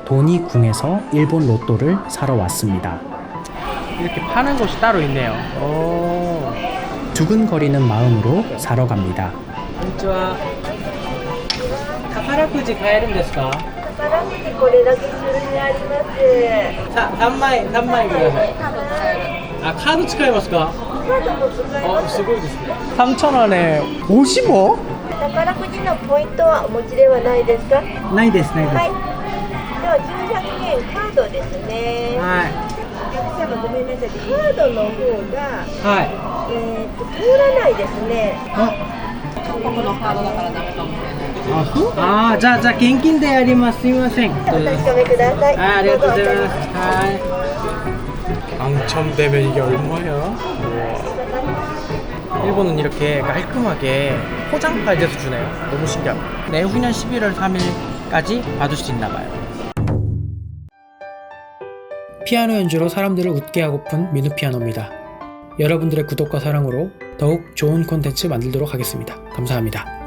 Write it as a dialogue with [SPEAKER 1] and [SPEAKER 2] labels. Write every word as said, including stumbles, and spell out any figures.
[SPEAKER 1] 도니궁에서 일본 로또를 사러 왔습니다.
[SPEAKER 2] 이렇게 파는 곳이 따로 있네요. 오.
[SPEAKER 1] 두근거리는 마음으로 사러 갑니다.
[SPEAKER 2] こんにちは。宝くじ買えるんですか？
[SPEAKER 3] 宝くじこれだけ種類あります。
[SPEAKER 2] さ、三枚、三枚ください。あ、カード使いますか？
[SPEAKER 3] カードも使えま
[SPEAKER 2] あ、
[SPEAKER 3] す。
[SPEAKER 2] すごいですね。삼천 원에 오십오?
[SPEAKER 3] 宝くじのポイントはお持ちではないですか？
[SPEAKER 2] ないです、ないです。
[SPEAKER 3] はい。ではきゅうひゃくえんカードですね。
[SPEAKER 2] はい。
[SPEAKER 3] お客様ごめんなさい。カードの方が
[SPEAKER 2] はい。
[SPEAKER 3] えー、と通らないですね。
[SPEAKER 2] あ、あ、そう？あー、じゃあ、じゃあ現金でやります。すみません。
[SPEAKER 3] お確かめください。
[SPEAKER 2] あ、ありがとうござい
[SPEAKER 3] どぞ
[SPEAKER 2] ます。はい。당첨되면 이게 얼마야? 일본은 이렇게 깔끔하게 포장까지 해서 주네요. 너무 신기합니다. 내후년 십일월 삼일까지 받을 수 있나봐요.
[SPEAKER 1] 피아노 연주로 사람들을 웃게 하고픈 민우 피아노입니다. 여러분들의 구독과 사랑으로 더욱 좋은 콘텐츠 만들도록 하겠습니다. 감사합니다.